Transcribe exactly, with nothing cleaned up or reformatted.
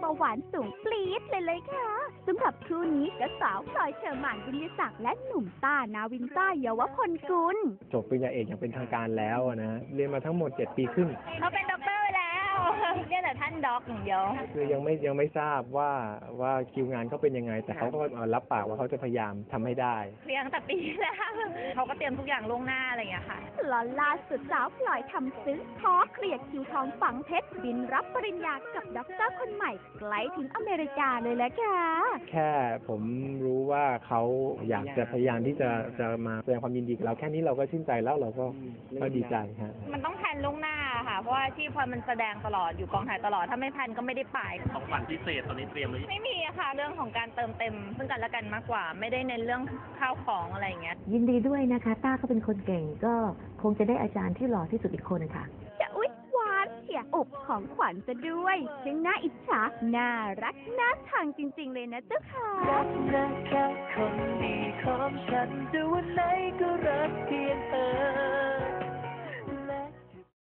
าหวานสูงปรี๊ดเลยเลยค่ะสำหรับคู่นี้ก็สาวพลอยเชอร์มานวิญญาศักดิ์และหนุ่มต้านาวินต้าเยาวพลกุลจบปริญญาเอกอย่างเป็นทางการแล้วนะเรียนมาทั้งหมดเจ็ดปีครึ่งเขาเป็นด็อกเตอร์แล้วเรียกแต่ท่านด็อกอย่างเดียวคือยังไม่ยังไม่ทราบว่าว่าคิวงานเขาเป็นยังไงแต่เขาก็รับปากว่าเขาจะพยายามทำให้ได้เรียงแต่ปีแล้วเขาก็เตรียมทุกอย่างล่วงหน้าอะไรอย่างเงี้ยค่ะลอล่าสุดสาวพลอยทำซึ้งขอเคลียร์คิวทองฝังเพชรบินรับปริญญากับด็อกเตอร์คนใหม่ไกลถึงอเมริกาเลยแหละค่ะแค่ผมรู้ว่าเขาอยากจะพยายามที่จะจะมาแสดงความยินดีกับเราแค่นี้เราก็ชื่นใจแล้วเราก็ก็ดีใจฮะมันต้องแพลนล่วงหน้าค่ะเพราะว่าที่พลอยมันแสดงตลอดอยู่กองถ่ายตลอดถ้าไม่แพลนก็ไม่ได้ไปของขวัญพิเศษตอนนี้เตรียมหรือไม่มีอะค่ะเรื่องของการเติมเต็มซึ่งกันและกันมากกว่าไม่ได้เน้นเรื่องข้าวของอะไรอย่างเงี้ยยินดีด้วยนะคะต้าเขาเป็นคนเก่งก็คงจะได้อาจารย์ที่หล่อที่สุดอีกคนนะคะจะอุ๊ยหวานเฉียอบของขวัญจะด้วยซึ่งน่าอิจฉาน่ารักน่าชังจริงๆเลยนะเจ้าค่ะรักนะแค่คนดีของฉันจะวันไหนก็รักเพียง